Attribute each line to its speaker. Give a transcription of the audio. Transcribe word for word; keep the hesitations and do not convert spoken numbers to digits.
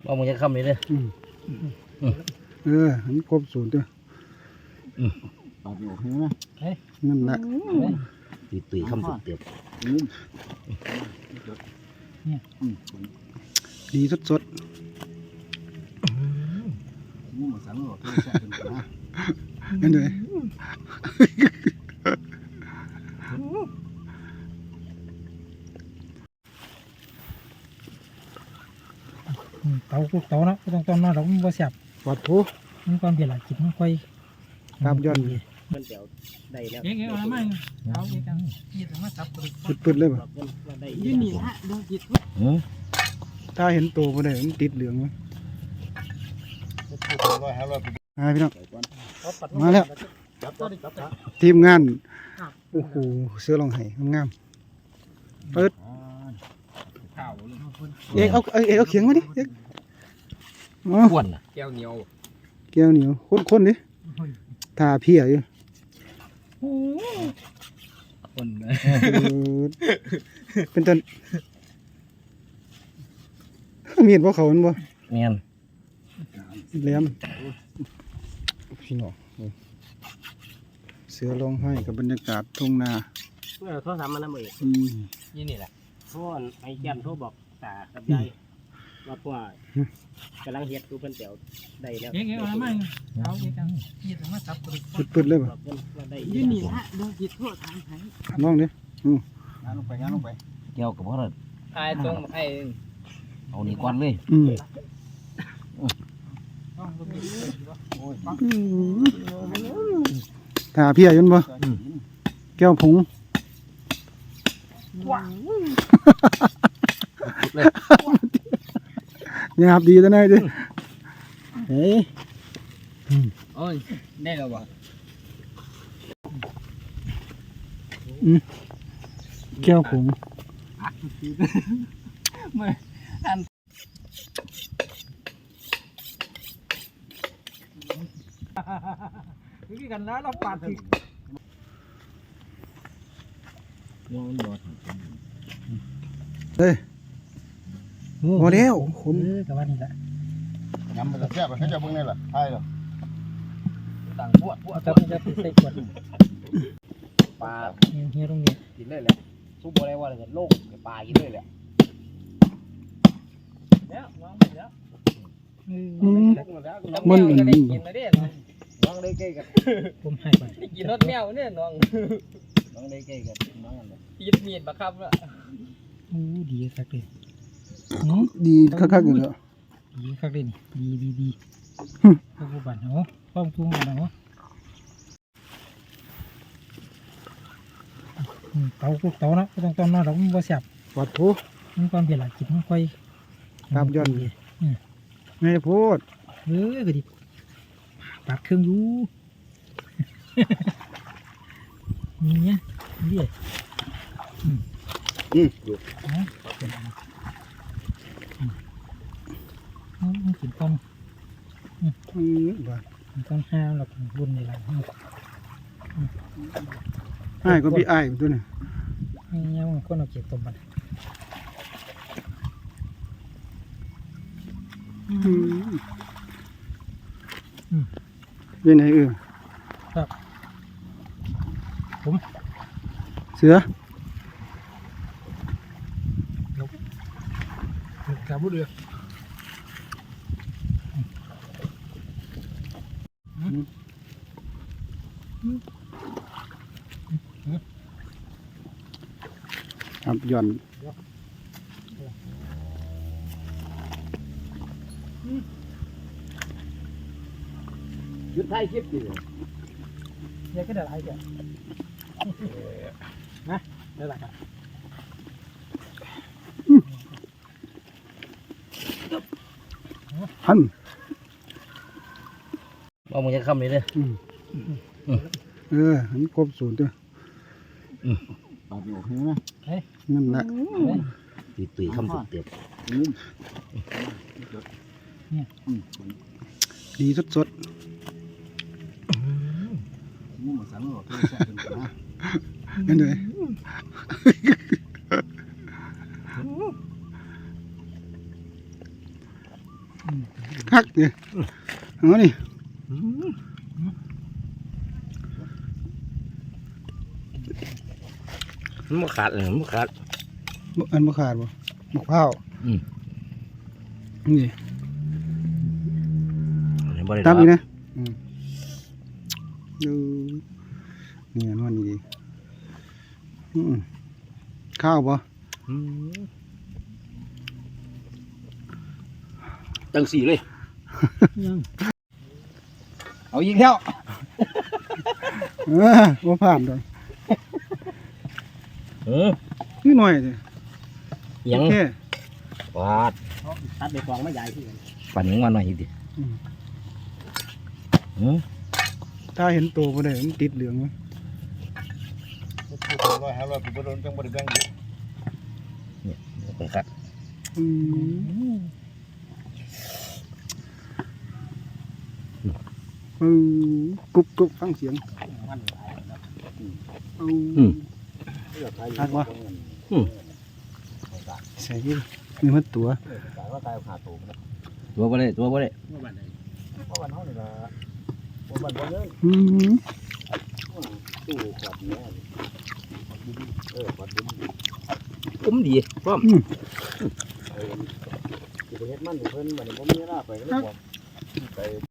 Speaker 1: เอามึงจะคำนี้เลย
Speaker 2: เออมันครบสูตรด้วยปาดออกนะนั่นแหละ
Speaker 1: ตุยตุยคำสุดเตียบ
Speaker 2: ดีสดสดนั่นเลย
Speaker 3: เตาคุกเตาเนาะต้องต้มเนาะเราไม่เสียบ
Speaker 2: วัดทุ
Speaker 3: มันความเปลี่ยนหลักจิตมันค่อย
Speaker 2: ตามย้อน
Speaker 1: มันเดี๋ยวได้แล้ว
Speaker 3: เอ๊ะเอ๊ะอะไรมั่งเอาเอ๊ะกันยี่ถึงมาซับ
Speaker 2: ปืดๆเลยป่ะ
Speaker 3: ยี่นี่ฮะดวงจิต
Speaker 2: ถ้าเห็นตัวมันได้มันติดเหลืองมั้ยมาพี่น้องมาแล้วทีมงานโอ้โหเสื้อลองไห้งามเปิดเอ๊ะเอาเอ๊ะเอาเขียงมาดิเอ๊ะ
Speaker 1: ขวนแก้วเหนียว
Speaker 2: แก้วเหนียวข้นๆดิทาเพียอยู่
Speaker 1: คน
Speaker 2: เป็นต้นมีดว่าเขามันบ่
Speaker 1: เมียน
Speaker 2: เลี้ยมพี่น้องเสือร้องไห้กับบรรยากาศทุ่งนา
Speaker 1: เมื่อโทรศัพท์มันน้ำเอกยี่นี่แหละโทรไอ้แก้มโทรบอกตากับยายว่าพ่อกำลังเฮ็ดดูเพิ่นเดี๋ยวได้แล้ว
Speaker 3: เอ๊ะเอ๊ะอะไรมั่งเอาเอ๊ะกันยี่ถึงมาซับ
Speaker 2: ปืดๆเลยป่ะ
Speaker 3: ยี่นี่ฮะดวงจิตทั่วทางไทย
Speaker 2: น้องดิ
Speaker 1: งานลงไปงานลงไปเกี่ยวกับพ่อเลยไอ้ตรงไอ้เอานี่ก้อนเลย
Speaker 2: ถ้าเพียอยืนบ่แก้วผงหยาบดีตัวไหนดิเฮ้ย
Speaker 1: โอ้ยได้แล้วบ่
Speaker 2: แก้วผง
Speaker 3: ไม่อันวิกันนะเราปาดถึง
Speaker 2: เฮ้ยโมเดล
Speaker 3: คุณกับว่านี่แหละ
Speaker 4: ยำมันจะแซ่บให้เจ้าเบิ่งนี่แหละใช่เหรอ
Speaker 1: ต่างพวดพวด
Speaker 3: จะจะใส่ขวด
Speaker 1: ปลา
Speaker 3: เฮียตรงนี้
Speaker 1: กินเลยแหละซุปอะไรวะเลยโล่งปลากินเลยแหละแล้วน้องแล้ว
Speaker 2: มัน
Speaker 1: ก็ได้กินมาเด้น้องได้ใกล้กัน
Speaker 3: ผมให้ไป
Speaker 1: กินรสแมวเนี่ยน้องน้องได้ใกล้กันน้องอะไรตีดมีดบักครับละ
Speaker 3: โอ้ดีคักเลย
Speaker 2: ดีคักๆอยู่แล้ว
Speaker 3: ดีคักเลยดีดีดีข้าวบันเนาะข้าวทุ่งเนาะเตาคุกเตาเนาะต้องต้มเนาะเราไม่เสียบ
Speaker 2: วัดทุ
Speaker 3: มันความเปลี่ยนหลักจิตมันค่อย
Speaker 2: ตามย้อนไม่พูด
Speaker 3: เออก็ดิปัดเครื่องยูเนี่ยเรียก
Speaker 2: อืมอยู่
Speaker 3: มันกินต้ม
Speaker 2: อืมบ้า
Speaker 3: ต้มห้าวหลักบุญในหลัง
Speaker 2: ไอ้ก็พี่ไอ้ตัวนี้
Speaker 3: เนี่ยมันก็เอาเก็บต้มมัน
Speaker 2: เป็นไงเออ
Speaker 3: ครับผม
Speaker 2: เสือ
Speaker 3: กับบุเดือ
Speaker 2: ครับย่อน
Speaker 1: ยุดท้ายคลิปดิ
Speaker 3: เนี่ยก็ได้ไรเดี๋ยวนะได้ไรครับ
Speaker 2: หัน
Speaker 1: เอามึงจะคำนี้เลย
Speaker 2: เออมันครบสูตรด้วย
Speaker 4: ปาดออกนะ
Speaker 2: นั่นแหละ
Speaker 1: ตุยตุยคำสุดเตียบ
Speaker 2: ดีสดสดนั่นเลยคักเนี่ยเอานี่
Speaker 1: มันบ่ขาดเลยมันบ่ขาด
Speaker 2: บ่อันบ่ขาดบ่มะพร้าว
Speaker 1: อืม
Speaker 2: นี่
Speaker 1: อันนี้บ่ได้
Speaker 2: ตามอีก
Speaker 1: ด
Speaker 2: นะอืมดูนี่อันนั้นนี่ดีอืมข้าวบ่
Speaker 1: อืมจังสี่เลย
Speaker 3: เอาอีกแล้ว
Speaker 2: เออบ่ผ่านดอก
Speaker 1: เออ
Speaker 2: นี่หน่อยสิ
Speaker 1: ยัง
Speaker 2: โอเค
Speaker 1: ปาดตัดไปกองมาใหญ่ที่กัน
Speaker 3: ปั่นยังมาหน่อยอีกดิ
Speaker 1: อืม
Speaker 2: ถ้าเห็นโตบ่ได้มันติดเหลืองไว้
Speaker 4: พูดร้อยห้าร้อยกูบ่โดนจังบ่ได้แบ่งอยู่
Speaker 1: ไปครับ
Speaker 2: อืมเออกรุบกรุบฟังเสียงเอาทักวะใส่ดินี่มันตัว
Speaker 1: ตัวบ่ได้ตัวบ่ได้
Speaker 4: เพราะวันเฮานี่ล่ะบ่บ้านบ่เงิน
Speaker 2: อืม
Speaker 4: ตู้ขวดนี้เออขวดดิน
Speaker 1: อุ้มดีพร้อม
Speaker 4: สิไปเฮ็ดมันเพิ่นบัดนี้บ่มีเวลาไปก็เลยบอกไป